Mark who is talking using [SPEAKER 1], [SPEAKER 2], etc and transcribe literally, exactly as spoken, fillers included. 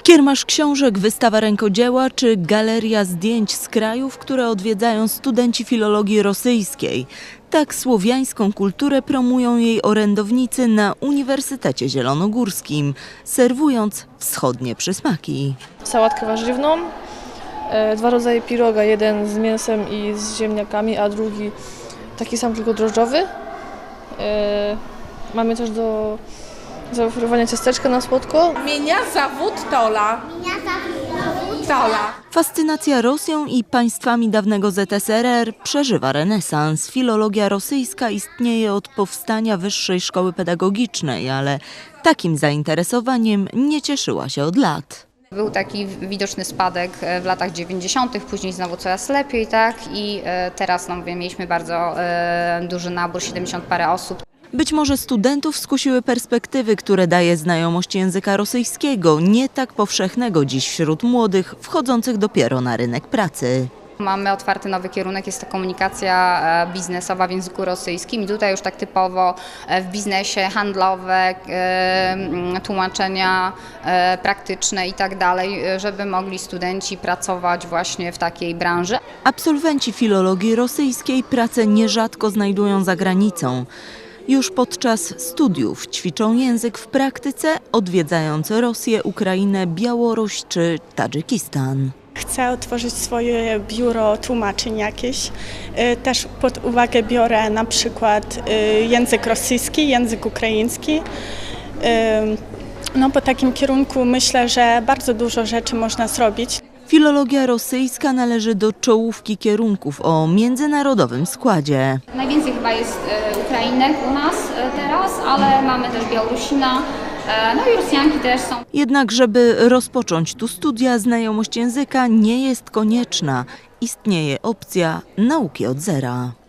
[SPEAKER 1] Kiermasz książek, wystawa rękodzieła czy galeria zdjęć z krajów, które odwiedzają studenci filologii rosyjskiej. Tak słowiańską kulturę promują jej orędownicy na Uniwersytecie Zielonogórskim, serwując wschodnie przysmaki.
[SPEAKER 2] Sałatkę warzywną, e, dwa rodzaje piroga, jeden z mięsem i z ziemniakami, a drugi taki sam, tylko drożdżowy. E, mamy też do zaoferowania ciasteczka na słodko.
[SPEAKER 3] Меня зовут Толя.
[SPEAKER 4] Меня зовут
[SPEAKER 3] Толя.
[SPEAKER 1] Fascynacja Rosją i państwami dawnego Z S R R przeżywa renesans. Filologia rosyjska istnieje od powstania Wyższej Szkoły Pedagogicznej, ale takim zainteresowaniem nie cieszyła się od lat.
[SPEAKER 5] Był taki widoczny spadek w latach dziewięćdziesiątych, później znowu coraz lepiej, tak? I teraz, no mówię, mieliśmy bardzo duży nabór, siedemdziesiąt parę osób.
[SPEAKER 1] Być może studentów skusiły perspektywy, które daje znajomość języka rosyjskiego, nie tak powszechnego dziś wśród młodych, wchodzących dopiero na rynek pracy.
[SPEAKER 5] Mamy otwarty nowy kierunek, jest to komunikacja biznesowa w języku rosyjskim i tutaj już tak typowo w biznesie handlowe, tłumaczenia praktyczne i tak dalej, żeby mogli studenci pracować właśnie w takiej branży.
[SPEAKER 1] Absolwenci filologii rosyjskiej pracę nierzadko znajdują za granicą. Już podczas studiów ćwiczą język w praktyce, odwiedzając Rosję, Ukrainę, Białoruś czy Tadżykistan.
[SPEAKER 6] Chcę otworzyć swoje biuro tłumaczeń jakieś. Też pod uwagę biorę na przykład język rosyjski, język ukraiński. No, po takim kierunku myślę, że bardzo dużo rzeczy można zrobić.
[SPEAKER 1] Filologia rosyjska należy do czołówki kierunków o międzynarodowym składzie.
[SPEAKER 5] Najwięcej chyba jest Ukrainek u nas teraz, ale mamy też Białorusina, no i Rosjanki też są.
[SPEAKER 1] Jednak żeby rozpocząć tu studia, znajomość języka nie jest konieczna. Istnieje opcja nauki od zera.